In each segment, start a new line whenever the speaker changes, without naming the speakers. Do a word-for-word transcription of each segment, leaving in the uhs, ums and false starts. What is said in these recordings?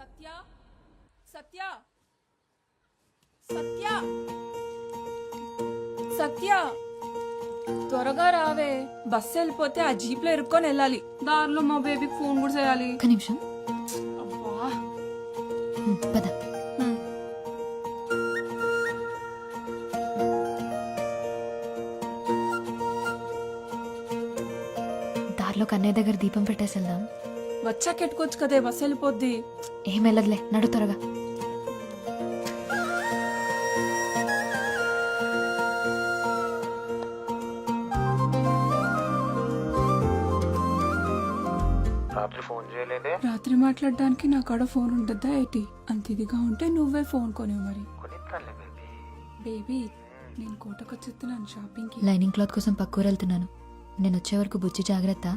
సత్య సత్య సత్య సత్య త్వరగా రావే, బస్సు వెళ్ళిపోతే ఆ జీప్ లో ఇరుక్కొని వెళ్ళాలి. దారిలో మా బేబీకి ఫోన్ కూడా చేయాలి.
ఒక్క నిమిషం.
అబ్బా
హ్మ్, పద.
హ్మ్.
దారిలో కన్నయ్య దగ్గర దీపం పెట్టేసి వెళ్దాం.
వచ్చాక ఎట్టుకోవచ్చు కదే, బస్సు వెళ్ళిపోద్ది.
ఏం వెళ్ళదులే, నడు త్వరగా.
రాత్రి ఫోన్ చేయలేదే.
రాత్రి మాట్లాడడానికి నా కాడ ఫోన్ ఉంటుందా ఏంటి? అంత ఇదిగా ఉంటే నువ్వే ఫోన్ కొనేవు మరి.
కొనిస్తానులే బేబీ.
బేబీ నేను కోటకొచ్చేస్తున్నాను షాపింగ్ కి.
లైనింగ్ క్లాత్ కోసం పక్కూరు వెళ్తున్నాను. నేను వచ్చే వరకు బుజ్జి జాగ్రత్త.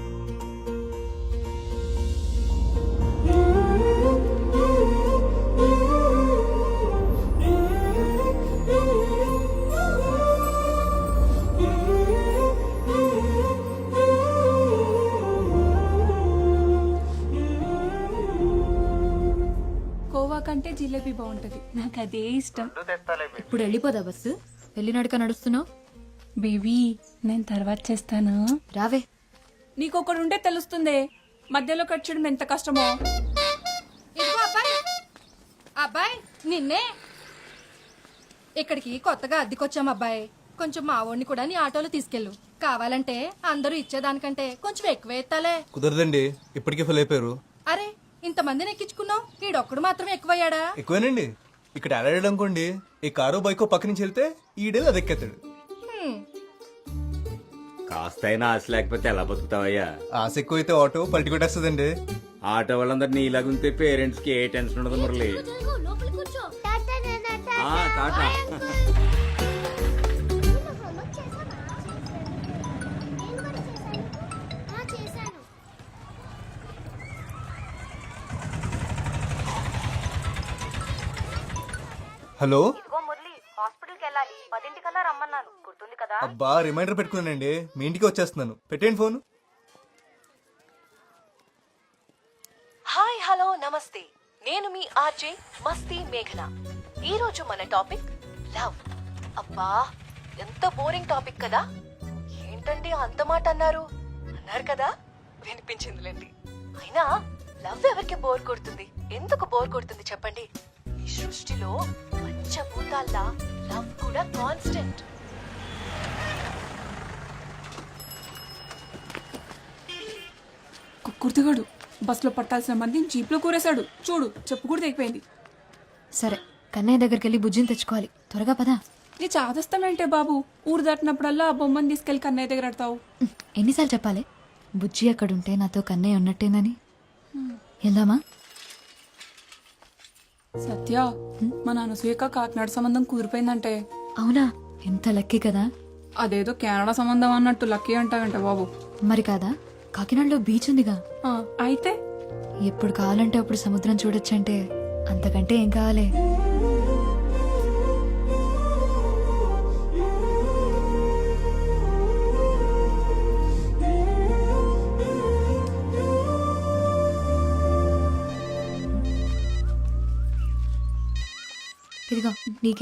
కోవా కంటే జిలేబీ బాగుంటది, నాకు అదే ఇష్టం.
రెండు తెస్తాలే బేబీ.
ఇప్పుడు వెళ్ళిపోదా బస్సు? వెళ్ళి నడక నడుస్తున్నావు.
బేబీ నేను తర్వాత చేస్తాను.
రావే.
నీకొకడు ఉంటే తెలుస్తుందే, మధ్యలో కట్టడం ఎంత కష్టమో.
ఇదిగో అబ్బాయి, అబ్బాయి నిన్నే. ఇక్కడికి కొత్తగా అద్దెకొచ్చాం అబ్బాయి. కొంచెం మా వాడిని కూడా నీ ఆటోలో తీసుకెళ్ళు. కావాలంటే అందరూ ఇచ్చేదానికంటే కొంచెం ఎక్కువ ఎత్తాలే.
కుదరదండి, ఇప్పటికే ఫుల్ అయిపోయారు.
అరే ఇంతమందిని ఎక్కించుకున్నావు, ఈడొక్కడు మాత్రం ఎక్కువయ్యాడా?
ఎక్కువేనండి. ఇక్కడ ఆడాడు అనుకోండి, ఈ కారు బైకో పక్క నుంచి వెళ్తే ఈడేది అది ఎక్కేస్తాడు.
హ్మ్.
కాస్తైనా ఆశ లేకపోతే ఎలా బతుకుతావయ్యా?
ఆశ ఎక్కువైతే ఆటో పల్టి కొట్టేస్తుందండి.
ఆటో వాళ్ళందరినీ ఇలాగుంటే పేరెంట్స్ కి ఏ టెన్షన్ ఉండదు మురళి. ఆ, టాటా.
హలో,
ఇదిగో మురళి, హాస్పిటల్కి వెళ్ళాలి. పదింటికల్లా రమ్మన్నాను, గుర్తుంది కదా?
అబ్బా రిమైండర్ పెట్టుకున్నానండి. మీ ఇంటికి వచ్చేస్తున్నాను. పెట్టేయండి ఫోన్.
హాయ్ హలో నమస్తే, నేను మీ ఆర్జే మస్తీ మేఘన. ఈ రోజు మన టాపిక్ లవ్. అబ్బా ఎంత బోరింగ్ టాపిక్ కదా. ఏంటండి అంత మాట అన్నారు? అన్నారు కదా, వినిపించిందిలేండి. అయినా లవ్ ఎవరికి బోర్ కొడుతుంది? ఎందుకు బోర్ కొడుతుంది చెప్పండి? ఈ సృష్టిలో పంచభూతాల్లా లవ్ కూడా కాన్స్టెంట్.
కుర్తిగాడు బస్సులో పట్టాల్సిన మంది జీప్ లో కూరేశాడు. చూడు, చెప్పు కూడా తెగిపోయింది.
సరే, కన్నయ్య దగ్గరికి వెళ్ళి బుజ్జిని తెచ్చుకోవాలి. త్వరగా పదా.
నీ చాదస్తామేంటే బాబు, ఊరు దాటినప్పుడల్లా ఆ బొమ్మని తీసుకెళ్లి కన్నయ్య దగ్గర ఆడతావు.
ఉమ్, ఎన్నిసార్లు చెప్పాలి? బుజ్జి అక్కడుంటే నాతో కన్నయ్య ఉన్నట్టేనని. వెళ్దామా?
సత్య, మా నాన్న సూయక కాకినాడ సంబంధం కూరిపోయిందంటే.
అవునా? ఎంత లక్కీ కదా.
అదేదో కెనడా సంబంధం అన్నట్టు లక్కీ అంటావంటే బాబు.
మరి కాదా, కాకినాడలో బీచ్ ఉందిగా.
ఆ, అయితే
ఎప్పుడు కావాలంటే అప్పుడు సముద్రం చూడొచ్చంటే అంతకంటే ఏం కావాలి? ఇదిగో నీకే.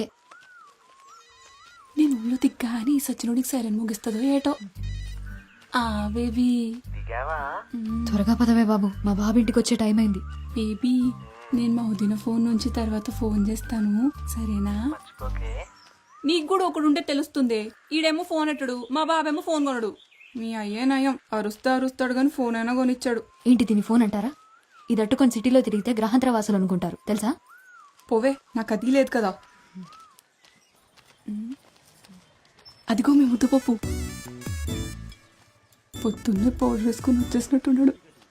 నేను ఊళ్ళో దిగ్గా అని సచినుడికి సైరన్ ముగిస్తుందో ఏటో. ఆ బేబీ
దిగావా?
త్వరగా పదవే బాబు, మా బాబు ఇంటికి వచ్చే టైం అయింది.
బేబీ నేను మా వదిన ఫోన్ నుంచి తర్వాత ఫోన్ చేస్తాను, సరేనా?
ఓకే.
నీకు కూడా ఒకడు ఉంటే తెలుస్తుంది. ఈడేమో ఫోన్ ఎట్టడు, మా బాబేమో ఫోన్ కొనడు. మీ అయ్యే నయం, అరుస్తా అరుస్తాడు గాని ఫోన్ అయినా కొనిచ్చాడు.
ఏంటి దీని ఫోన్ అంటారా? ఇది అట్టుకొని సిటీలో తిరిగితే గ్రహాంతర వాసులు అనుకుంటారు తెలుసా?
పోవే, నాకు అది లేదు కదా. అదిగో మీ ముద్దుపప్పు పొద్దున్నే పౌడర్ వేసుకుని వచ్చేసినట్టున్నాడు.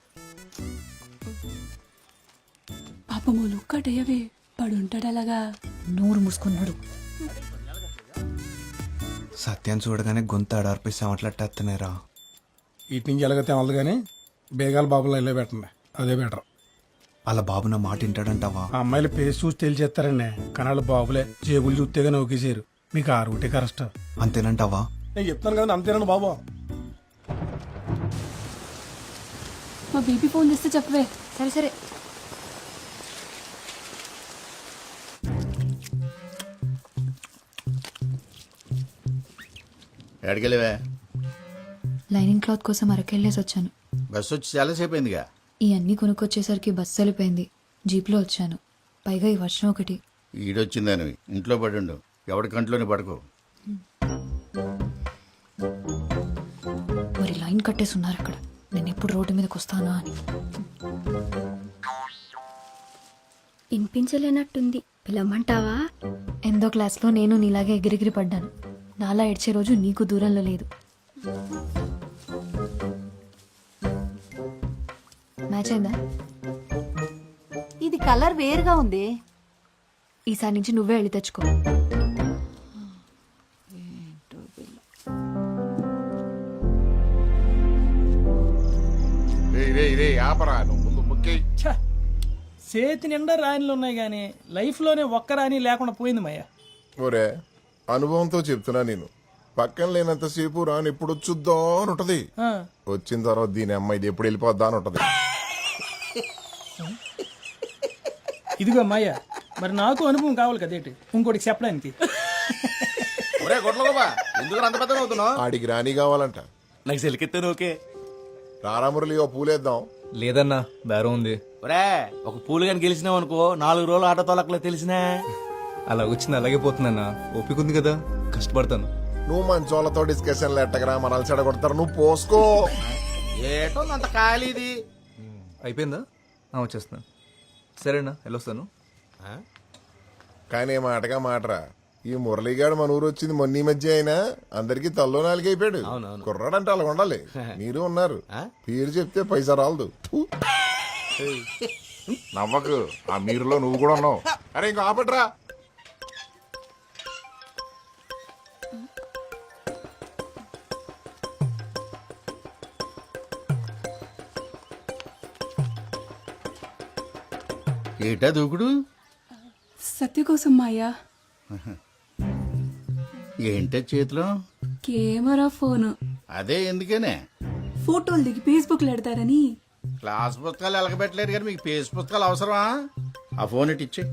పాపమోలు కటయ్యవే, పడుంటాడు అలాగా.
నోరు మూసుకున్నాడు.
సత్యాన్ని చూడగానే గొంతు ఆడార్పిస్తే అట్లట్టేస్తున్నారా.
ఇటు నుంచి ఎలాగైతే అవ్వదు కానీ బేగాల బాబులో వెళ్ళే పెట్టండి, అదే బెటర్.
అలా బాబు నా మాట వింటాడంటావా?
ఆ అమ్మాయిల పేస్ చూసి తెలిచేస్తారండి, కానీ వాళ్ళ బాబులే జేబులు చూస్తేగా నౌకేసారు. మీకు ఆ రూటే కరెక్ట్.
అంతేనంటావా?
నేను చెప్తాను కదా, అంతేనండి బాబు.
మా బేబీ ఫోన్ చేస్తే చెప్పవే.
సరే సరే.
ఎక్కడికెళ్ళవా?
లైనింగ్ క్లాత్ కోసం అరకెళ్ళేసి వచ్చాను.
బస్సు వచ్చి చాలాసేపు అయిందిగా.
ఈ అన్నీ కొనుక్కొచ్చేసరికి బస్సు వెళ్ళిపోయింది. జీప్లో వచ్చాను. పైగా ఈ వర్షం ఒకటి.
ఈడొచ్చిందని ఇంట్లో పడి ఉండు. ఎవడి కంట్లోనే పడుకో.
మరి లైన్ కట్టేసి ఉన్నారు అక్కడ. నేను ఎప్పుడు రోడ్డు మీదకి వస్తానా అని.
వినిపించలేనట్టుంది, పిలవమంటావా?
ఎందో క్లాస్లో నేను నీలాగే ఎగిరిగిరి పడ్డాను. నాలా ఏడ్చే రోజు నీకు దూరంలో లేదు. మ్యాచ్ అయిందా?
ఇది కలర్ వేరుగా ఉంది.
ఈసారి నుంచి నువ్వే వెళ్ళి తెచ్చుకో.
ఆపరా నువ్వు ముందు ముక్కి.
చేతి నిండా రాణిలు ఉన్నాయి కానీ లైఫ్లోనే ఒక్క రాణి లేకుండా పోయింది మయ్య.
ఒరే అనుభవంతో చెప్తున్నా నేను. పక్కన లేనంతసేపు రాని ఎప్పుడు వచ్చుద్దా అని ఉంటది. వచ్చిన తర్వాత దీని అమ్మాయి ఇది ఎప్పుడు వెళ్ళిపోద్దా అని ఉంటది.
ఇదిగో మాయ, మరి నాకు అనుభవం కావాలి కదేటి ఇంకోటి చెప్పడానికి.
ఆడికి రాణి కావాలంట.
నాకు సెలికెత్తాను ఓకే.
రారామురళి ఓ పూలేద్దాం.
లేదన్నా బేరం ఉంది.
ఒరే ఒక పూలు కానీ గెలిచినావు అనుకో, నాలుగు రోజులు ఆటో తోలకలే తెలిసినా.
అలా వచ్చింది అలాగే పోతుందన్నా. ఓపిక ఉంది కదా, కష్టపడతాను.
నువ్వు మంచోళ్ళతో డిస్కషన్లు ఎట్టగరా మనల్ని చెడగొడతారు. నువ్వు పోసుకో.
ఏటో అంత ఖాళీది.
అయిపోయిందా? ఆ, వచ్చేస్తున్నాను. సరేనా, వెళ్ళొస్తాను.
కానీ మాటగా మాటరా, ఈ మురళీగాడు మన ఊరు వచ్చింది మొన్న ఈ మధ్య అయినా అందరికి తల్లో నాలుగు అయిపోయాడు. కుర్రాడంటే అలా ఉండాలి. మీరు ఉన్నారు, పేరు చెప్తే పైసా రాలదు. నవ్వకు, ఆ మీరులో నువ్వు కూడా ఉన్నావు. అరే ఇంకో ఆపట్రా.
ఏటా దూకుడు?
సత్య కోసం మాయా.
ఏంటో చేతిలో?
Camera phone.
అదే ఎందుకనే?
ఫోటోలు దిగి ఫేస్బుక్ లో పెడతారని.
క్లాస్ పుస్తకాలు ఎలకబెట్టలేరు కానీ మీకు పేజ్ పుస్తకాలు అవసరమా? ఆ ఫోన్ ఇటు ఇచ్చే.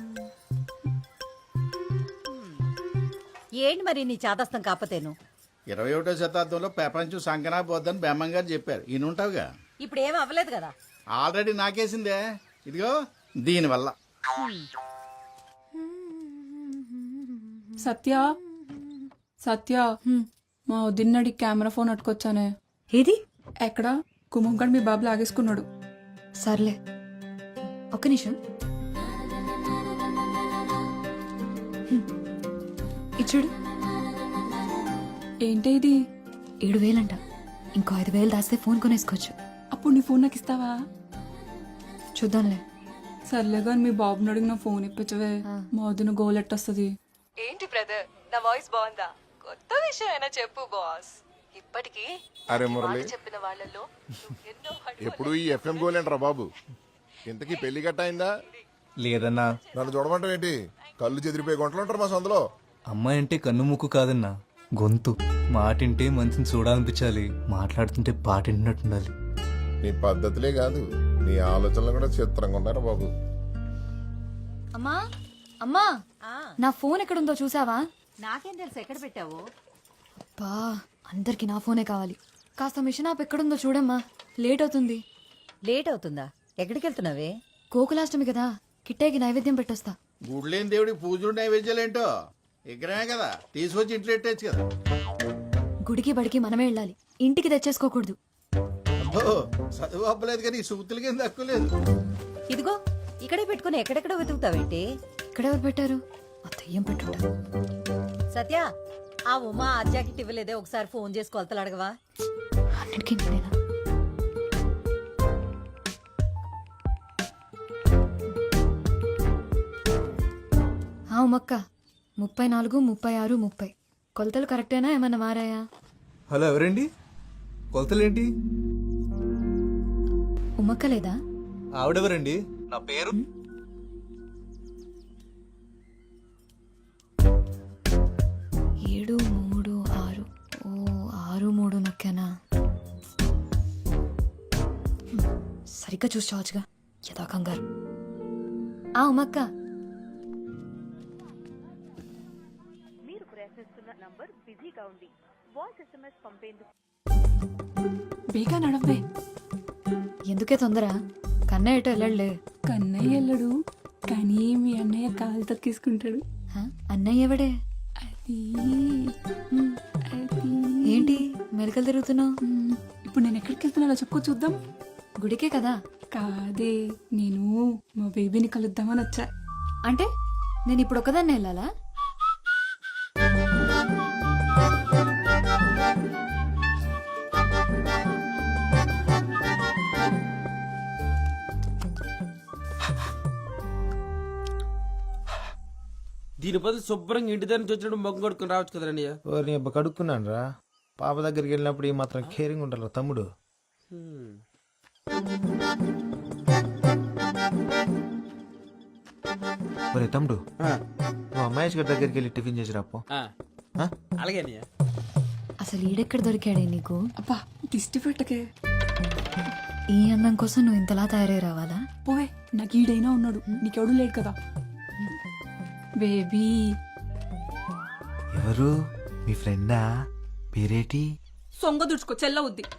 ఏంటి మరి నీ చాదస్తం కాకపోతేను?
ఇరవై ఒకటో శతాబ్దంలో ప్రపంచం సంకనా పోద్దని బెమ్మం గారు చెప్పారు. ఈయన ఉంటావుగా.
ఇప్పుడు ఏం అవ్వలేదు కదా.
ఆల్రెడీ నాకేసిందే. ఇదిగో దీనివల్ల.
సత్య సత్య మా వదిన్నడి కెమెరా ఫోన్ అట్టుకొచ్చానే.
ఏది?
ఎక్కడ? కుమంగడ్ మీ బాబు లాగేసుకున్నాడు.
సర్లే, ఒక్క నిమిషం. హ్మ్. ఇచ్చుడు.
ఏంటి ఇది?
ఏడు వేలంట. ఇంకో ఐదు వేలు దాస్తే ఫోన్ కొనేసుకోవచ్చు.
అప్పుడు నీ ఫోన్ నాకు ఇస్తావా?
చూద్దాంలే.
సర్లే కానీ మీ బాబుని అడిగి నా ఫోన్ ఇప్పించవే. మా వదిన గోల్ ఎట్టొస్తుంది.
ఏంటి బ్రదర్, నా వాయిస్ బాగుందా? కొత్త విషయం అయినా చెప్పు బాస్. ఇప్పటికీ
అరే మురళి,
చెప్పిన వాళ్ళలో ఎన్నో
ఎప్పుడు ఈ ఎఫ్ఎం గోలేంట్రా బాబు. ఇంతకీ పెళ్లి గట్ట అయిందా?
లేదన్నా.
నన్ను చూడమంటావు ఏంటి? కళ్ళు చెదిరిపోయి గుంటలు ఉంటారు మా సందులో.
అమ్మాయి అంటే కన్ను ముక్కు కాదన్నా, గొంతు. మాటింటే మంచిని చూడాలనిపించాలి, మాట్లాడుతుంటే పాటింటున్నట్టుండాలి.
నీ పద్ధతులే కాదు, నీ ఆలోచనలు కూడా చిత్రంగా ఉన్నారా బాబు.
అమ్మా అమ్మా, నా ఫోన్ ఎక్కడుందో చూసావా?
నాకేం తెలుసు ఎక్కడ పెట్టావు?
బా, అందరికి నా ఫోనే కావాలి. కాస్త మిషన్ ఆప్ ఎక్కడుందో చూడమ్మా, లేట్ అవుతుంది.
లేట్ అవుతుందా? ఎక్కడికి వెళ్తున్నావే?
గోకులాష్టమి కదా, కిట్టేకి నైవేద్యం పెట్టొస్తా.
గుడ్లేని దేవుడికి పూజలు నైవేద్యాలేంటో విగ్రహమే కదా, తీసుకొచ్చి ఇంట్లో పెట్టచ్చు కదా.
గుడికి బడికి మనమే వెళ్ళాలి, ఇంటికి తెచ్చేసుకోకూడదు.
అబ్బో, చదువు అప్పలేదు కానీ సూతులకి ఏం తక్కువ లేదు.
ఇదిగో ఇక్కడే పెట్టుకుని ఎక్కడెక్కడ వెతుకుతావేంటి?
ఇక్కడెవరు పెట్టారు? ఆ దెయ్యం పెట్టుంటారు.
సత్య, ఆ ఉమా ఆ జాకెట్ ఇవ్వలేదే, ఒకసారి ఫోన్ చేసి కొలతలు అడగవా?
అన్నిటికీ నేనేనా? ఆ ఉమ్మక్క, ముప్పై నాలుగు ముప్పై ఆరు ముప్పై. కొలతలు కరెక్టేనా, ఏమన్నా మారాయా?
హలో, ఎవరండి? కొలతలేంటి?
ఉమ్మక్క లేదా?
ఆవిడెవరండి? నా పేరు
ఏడు మూడు ఆరు. ఓ, ఆరు మూడు నొక్కానా? సరిగ్గా చూసి చావచ్చుగా, యథా కంగారు. ఆ ఉమ్మక్క,
మీరు ప్రయత్నిస్తున్న నంబర్ బిజీగా ఉంది,
బేగా నడవే.
ఎందుకే తొందర? కన్నయ్య ఎటో వెళ్ళలే.
కన్నయ్య వెళ్ళడు కానీ మీ అన్నయ్య కాలు తక్కిసుకుంటాడు.
హ? అన్నయ్య ఎవడే?
అది
హ్మ్.
అది
ఏంటి మెలకలు తిరుగుతున్నావు?
మ్, ఇప్పుడు నేను ఎక్కడికి వెళ్తున్నానో చెప్పుకో చూద్దాం.
గుడికే కదా.
కాదే, నేను మా బేబీని కలుద్దామని వచ్చా.
అంటే నేను ఇప్పుడు ఒకదాన్ని వెళ్ళాలా?
దీని బదులు శుభ్రంగా ఇంటి దగ్గర నుంచి వచ్చినప్పుడు మొగ్గు కొడుకుని రావచ్చు కదండి అన్నయ్య.
ఓ నీ అబ్బ కడుక్కున్నాను రా. పాప దగ్గరికి వెళ్ళినప్పుడు ఈ మాత్రం కేరింగ్ ఉంటారు తమ్ముడు.
హ్మ్.
ఒరే తమ్ముడు,
ఆ,
నువ్వు అమ్మాయి గారి దగ్గరికి వెళ్ళి టిఫిన్ చేసి రాపో.
ఆ, అలాగే అన్నయ్య.
అసలు ఈడెక్కడ దొరికాడే నీకు?
అబ్బా దిష్టి పెట్టకే.
ఈ అందం కోసం నువ్వు ఇంతలా తయారై రావాలా?
పోవే, నాకు ఈడైనా ఉన్నాడు, నీకెవడు లేడు కదా. బేబీ
ఎవరు? మీ ఫ్రెండా? పేరేటి?
సొంగ దుడుచుకో చెల్లవుద్ది.